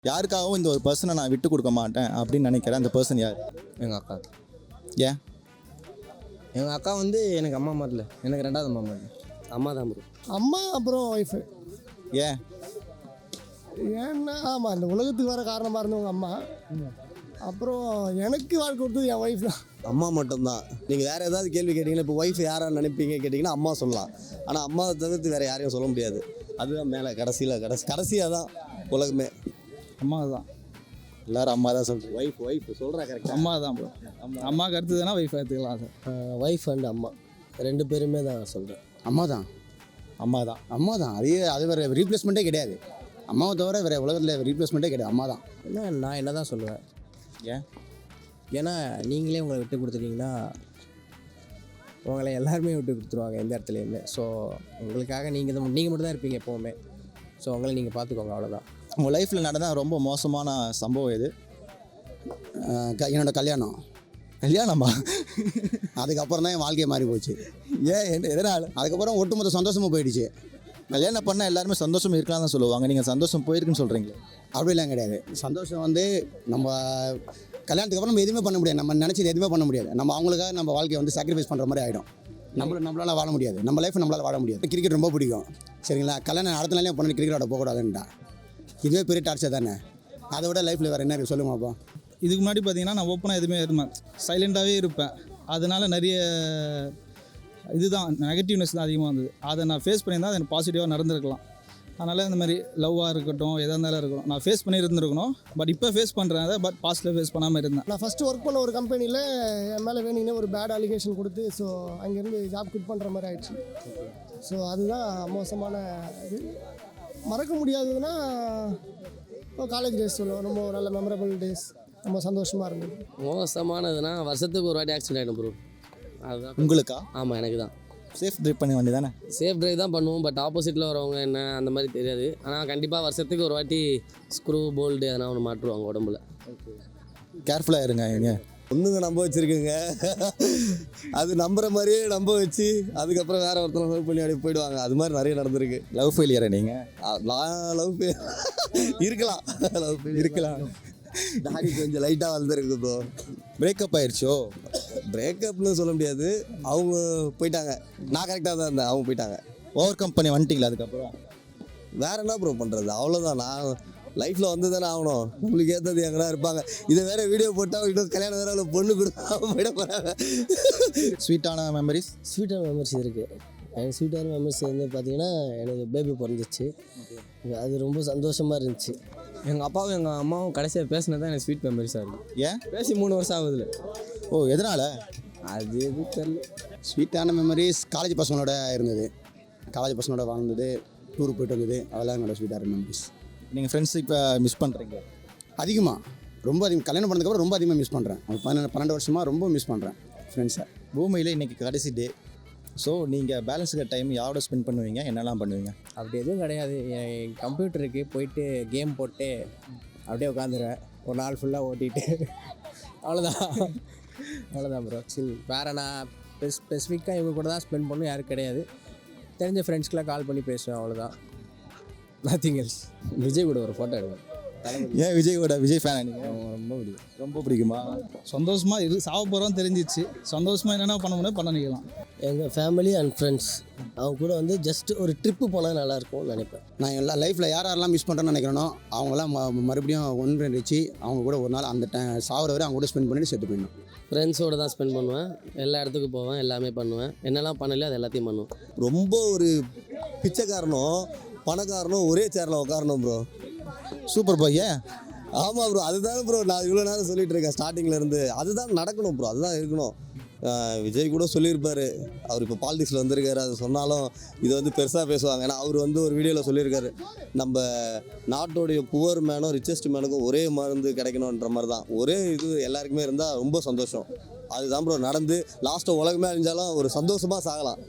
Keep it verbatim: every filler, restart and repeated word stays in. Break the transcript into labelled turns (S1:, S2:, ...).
S1: யாருக்காகவும் இந்த ஒரு பர்சனை நான் விட்டு கொடுக்க மாட்டேன் அப்படின்னு நினைக்கிறேன். அந்த பர்சன் யார்?
S2: எங்கள் அக்கா.
S1: ஏன்?
S2: எங்கள் அக்கா வந்து எனக்கு அம்மா மாதிரில, எனக்கு ரெண்டாவது அம்மா மாதிரி. அம்மா தான் ப்ரோ.
S3: அம்மா அப்புறம் ஒய்ஃபு.
S1: ஏன்?
S3: ஏன்னா ஆமாம், இந்த உலகத்துக்கு வர காரணமாக இருந்தவங்க அம்மா. அப்புறம் எனக்கு வாழ்க்கை கொடுத்தது என் ஒய்ஃப் தான்.
S4: அம்மா மட்டும்தான். நீங்கள் வேறு ஏதாவது கேள்வி கேட்டிங்கன்னா, இப்போ ஒய்ஃப் யாரான்னு நினைப்பீங்க கேட்டிங்கன்னா அம்மா சொல்லலாம். ஆனால் அம்மாவை தவிர்த்து வேறு யாரையும் சொல்ல முடியாது. அதுதான் மேலே கடைசியில் கடைசி கடைசியாக தான் உலகமே.
S1: அம்மா தான். எல்லோரும் அம்மா தான் சொல்கிறேன்.
S4: ஒய்ஃப் ஒய்ஃப் சொல்கிறா கரெக்டாக.
S1: அம்மா தான் ப்ரோ. அம்மாவுக்கு அடுத்ததுனா ஒய்ஃப் எடுத்துக்கலாம் சார்.
S2: ஒய்ஃப் அண்ட் அம்மா ரெண்டு பேருமே தான் சொல்கிறேன்.
S5: அம்மா தான்.
S1: அம்மா தான்.
S5: அம்மா தான். அது அது வேறு ரீப்ளேஸ்மெண்ட்டே கிடையாது. அம்மாவை தவிர வேறு உலகத்தில் ரீப்ளேஸ்மெண்ட்டே கிடையாது. அம்மா தான்.
S2: ஏன்னா நான் என்ன தான் சொல்லுவேன்.
S1: ஏன்?
S2: ஏன்னா நீங்களே உங்களை விட்டு கொடுத்துட்டீங்கன்னா உங்களை எல்லாருமே விட்டு கொடுத்துருவாங்க எந்த இடத்துலையுமே. ஸோ உங்களுக்காக நீங்கள் தான் நீங்கள் மட்டும் தான் இருப்பீங்க எப்போவுமே. ஸோ உங்களை நீங்கள் பார்த்துக்கோங்க, அவ்வளோதான்.
S1: உங்கள் லைஃப்பில் நடந்த ரொம்ப மோசமான சம்பவம் எது?
S5: என்னோடய கல்யாணம்.
S1: கல்யாணமா?
S5: அதுக்கப்புறம் தான் என் வாழ்க்கையை மாறி போச்சு.
S1: ஏன்? என்ன எதனால்?
S5: அதுக்கப்புறம் ஒட்டுமொத்த சந்தோஷமாக போயிடுச்சு.
S1: கல்யாணம் பண்ணால் எல்லாருமே சந்தோஷம் இருக்கலாம் தான் சொல்லுவாங்க. நீங்கள் சந்தோஷம் போயிருக்குன்னு சொல்கிறீங்களே.
S5: அப்படிலாம் கிடையாது. சந்தோஷம் வந்து நம்ம கல்யாணத்துக்கு அப்புறம் நம்ம எதுவுமே பண்ண முடியாது. நம்ம நினச்சது எதுவுமே பண்ண முடியாது. நம்ம அவங்களுக்காக நம்ம வாழ்க்கையை வந்து சாக்ரிஃபைஸ் பண்ணுற மாதிரி ஆகிடும். நம்மள நம்மளால் வாழ முடியாது. நம்ம லைஃப் நம்மளால் வாழ முடியாது. கிரிக்கெட் ரொம்ப பிடிக்கும், சரிங்களா? கல்யாணம் அடுத்த நாளே பண்ணி கிரிக்கெட் ஆட போகக்கூடாதுன்ட்டா இதுவே பெரிய டார்ச்சர் தானே. அதை விட லைஃப்பில் வேறு என்ன இருக்குது சொல்லுமாப்பா?
S6: இதுக்கு முன்னாடி பார்த்தீங்கன்னா நான் ஓப்பனாக எதுவுமே இருப்பேன், சைலண்ட்டாகவே இருப்பேன். அதனால் நிறைய இதுதான் நெகட்டிவ்னஸ் தான் அதிகமாக இருந்தது. அதை நான் ஃபேஸ் பண்ணியிருந்தால் அது எனக்கு பாசிட்டிவாக நடந்திருக்கலாம். அதனால் இந்த மாதிரி லவ்வாக இருக்கட்டும், எதாக இருந்தாலும் இருக்கணும், நான் ஃபேஸ் பண்ணி இருந்திருக்கணும். பட் இப்போ ஃபேஸ் பண்ணுறேன் அதை, பட் பாஸ்ட்டில் ஃபேஸ் பண்ணாமல் இருந்தேன்.
S3: நான் ஃபஸ்ட்டு ஒர்க் பண்ண ஒரு கம்பெனியில் என் மேலே வேணுங்கன்னே ஒரு பேட் அலிகேஷன் கொடுத்து, ஸோ அங்கேருந்து ஜாப் குட் பண்ணுற மாதிரி ஆயிடுச்சு. ஸோ அதுதான் மோசமான இது. மறக்க முடியாததுன்னா இப்போ காலேஜ் டேஸ் சொல்லுவோம், ரொம்ப நல்ல மெமரபிள் டேஸ், ரொம்ப சந்தோஷமாக இருந்தது.
S2: மோசமானதுன்னா வருஷத்துக்கு ஒரு வாட்டி ஆக்சிடென்ட் ஆகிடும் ப்ரோ. அதுதான்.
S1: உங்களுக்கா?
S2: ஆமாம், எனக்கு தான்.
S1: சேஃப் ட்ரைவ் பண்ண வேண்டிய தானே?
S2: சேஃப் ட்ரைவ் தான் பண்ணுவோம், பட் ஆப்போசிட்டில் வரவங்க என்ன அந்த மாதிரி தெரியாது. ஆனால் கண்டிப்பாக வருஷத்துக்கு ஒரு வாட்டி ஸ்க்ரூ போல்டு எதனா ஒன்று மாட்டுருவாங்க உடம்புல.
S1: கேர்ஃபுல்லாக இருங்க. ஏங்க
S4: ஒன்றுங்க நம்ப வச்சுருக்குங்க, அது நம்புற மாதிரியே நம்ப வச்சு அதுக்கப்புறம் வேறு ஒருத்தனை லவ் பண்ணி அப்படியே போயிடுவாங்க. அது மாதிரி நிறைய நடந்திருக்கு.
S1: லவ் ஃபெயிலியரை நீங்கள்?
S4: நான் லவ் இருக்கலாம், லவ் இருக்கலாம். தாடி கொஞ்சம் லைட்டாக வளர்ந்துருக்கு ப்ரோ.
S1: பிரேக்கப் ஆயிடுச்சோ?
S4: பிரேக்கப்னு சொல்ல முடியாது, அவங்க போயிட்டாங்க. நான் கரெக்டாக தான் இருந்தேன், அவங்க போயிட்டாங்க.
S1: ஓவர் கம் பண்ணி வந்துட்டீங்களா? அதுக்கப்புறம்
S4: வேற என்ன ப்ரோ பண்ணுறது? அவ்வளோதான். நான் லைஃப்பில் வந்து தானே ஆகணும். உங்களுக்கு ஏற்றது எங்கன்னா இருப்பாங்க. இதை வேற வீடியோ போட்டால் இன்னும் கல்யாணம் வேற அவ்வளோ பொண்ணு கொடுத்தா போயிட போகிறாங்க.
S1: ஸ்வீட்டான மெமரிஸ்?
S2: ஸ்வீட்டான மெமரிஸ் இருக்குது. எனக்கு ஸ்வீட்டான மெமரிஸ் வந்து பார்த்திங்கன்னா எனக்கு பேபி பிறந்துச்சு. அது ரொம்ப சந்தோஷமாக இருந்துச்சு. எங்கள் அப்பாவும் எங்கள் அம்மாவும் கடைசியாக பேசினது தான் எனக்கு ஸ்வீட் மெமரிஸாக இருக்குது.
S1: ஏன்?
S2: பேசி மூணு வருஷம் ஆகுதுல.
S1: ஓ, எதனால்?
S2: அது எது தெரியல.
S5: ஸ்வீட்டான மெமரிஸ் காலேஜ் பசங்களோட இருந்தது. காலேஜ் பசங்களோட வாழ்ந்தது, டூருக்கு போய்ட்டு வந்தது, அதெல்லாம் என்னோடய ஸ்வீட்டான மெமரிஸ்.
S1: நீங்கள் ஃப்ரெண்ட்ஸ் இப்போ மிஸ் பண்ணுறீங்க
S5: அதிகமாக? ரொம்ப அதிகம். கல்யாணம் பண்ணதுக்கப்புறம் ரொம்ப அதிகமாக மிஸ் பண்ணுறேன். பன்னெண்டு பன்னெண்டு வருஷமாக ரொம்ப மிஸ் பண்ணுறேன் ஃப்ரெண்ட்ஸை.
S1: பூமியில் இன்றைக்கி கடைசி டே. ஸோ நீங்கள் பேலன்ஸுக்கு டைம் யாரோட ஸ்பெண்ட் பண்ணுவீங்க, என்னெல்லாம் பண்ணுவீங்க?
S2: அப்படி எதுவும் கிடையாது. என் கம்ப்யூட்டருக்கு போயிட்டு கேம் போட்டு அப்படியே உட்காந்துருவேன் ஒரு நாள் ஃபுல்லாக ஓட்டிகிட்டு. அவ்வளோதான் அவ்வளோதான் ப்ரோ. சில் வேறு நான் ஸ்பெஸ் ஸ்பெசிஃபிக்காக இவங்க கூட தான் ஸ்பெண்ட் பண்ணணும் யாரும் கிடையாது. தெரிஞ்ச ஃப்ரெண்ட்ஸ்க்கெலாம் கால் பண்ணி பேசுவேன், அவ்வளோதான். Nothing else. விஜய் கூட ஒரு ஃபோட்டோ எடுவேன்.
S1: ஏன் விஜயோட விஜய் ஃபேனா நீங்கள்?
S2: ரொம்ப பிடிக்கும்.
S1: ரொம்ப பிடிக்குமா?
S6: சந்தோஷமாக இரு, சாவ போகிறோம் தெரிஞ்சிச்சு. சந்தோஷமாக என்னென்ன பண்ண முடியும் பண்ண நினைக்கலாம்.
S2: எங்கள் ஃபேமிலி அண்ட் ஃப்ரெண்ட்ஸ் அவங்க கூட வந்து ஜஸ்ட் ஒரு ட்ரிப்பு போனால் நல்லாயிருக்கும்னு நினைப்பேன்.
S5: நான் எல்லா லைஃப்பில் யார் யாரெல்லாம் மிஸ் பண்ணுறேன்னு நினைக்கிறேனோ அவங்களாம் ம மறுபடியும் ஒன்று வச்சு அவங்க கூட ஒரு நாள் அந்த டை சாவர வரை அவங்க கூட ஸ்பெண்ட் பண்ணிட்டு செத்து போயிடணும்.
S2: ஃப்ரெண்ட்ஸோடு தான் ஸ்பெண்ட் பண்ணுவேன். எல்லா இடத்துக்கும் போவேன், எல்லாமே பண்ணுவேன். என்னெல்லாம் பண்ணலையோ அது எல்லாத்தையும் பண்ணுவேன்.
S4: ரொம்ப ஒரு பிச்சைக்காரனும் பணக்காரனும் ஒரே சேரில் உட்காரணும் ப்ரோ.
S1: சூப்பர் பாய். ஏன்?
S4: ஆமாம் ப்ரோ, அதுதான் ப்ரோ நான் இவ்வளோ நேரம் சொல்லிகிட்டு இருக்கேன் ஸ்டார்டிங்கில் இருந்து. அதுதான் நடக்கணும் ப்ரோ, அதுதான் இருக்கணும். விஜய் கூட சொல்லியிருப்பார், அவர் இப்போ பாலிடிக்ஸில் வந்திருக்காரு. அது சொன்னாலும் இது வந்து பெருசாக பேசுவாங்க. ஏன்னா அவர் வந்து ஒரு வீடியோவில் சொல்லியிருக்காரு, நம்ம நாட்டோடைய புவர் மேனும் ரிச்சஸ்ட் மேனுக்கும் ஒரே மருந்து கிடைக்கணுன்ற மாதிரி தான். ஒரே இது எல்லாருக்குமே இருந்தால் ரொம்ப சந்தோஷம். அதுதான் ப்ரோ நடந்து லாஸ்ட்டு உலகமே அழிஞ்சாலும் ஒரு சந்தோஷமாக சாகலாம்.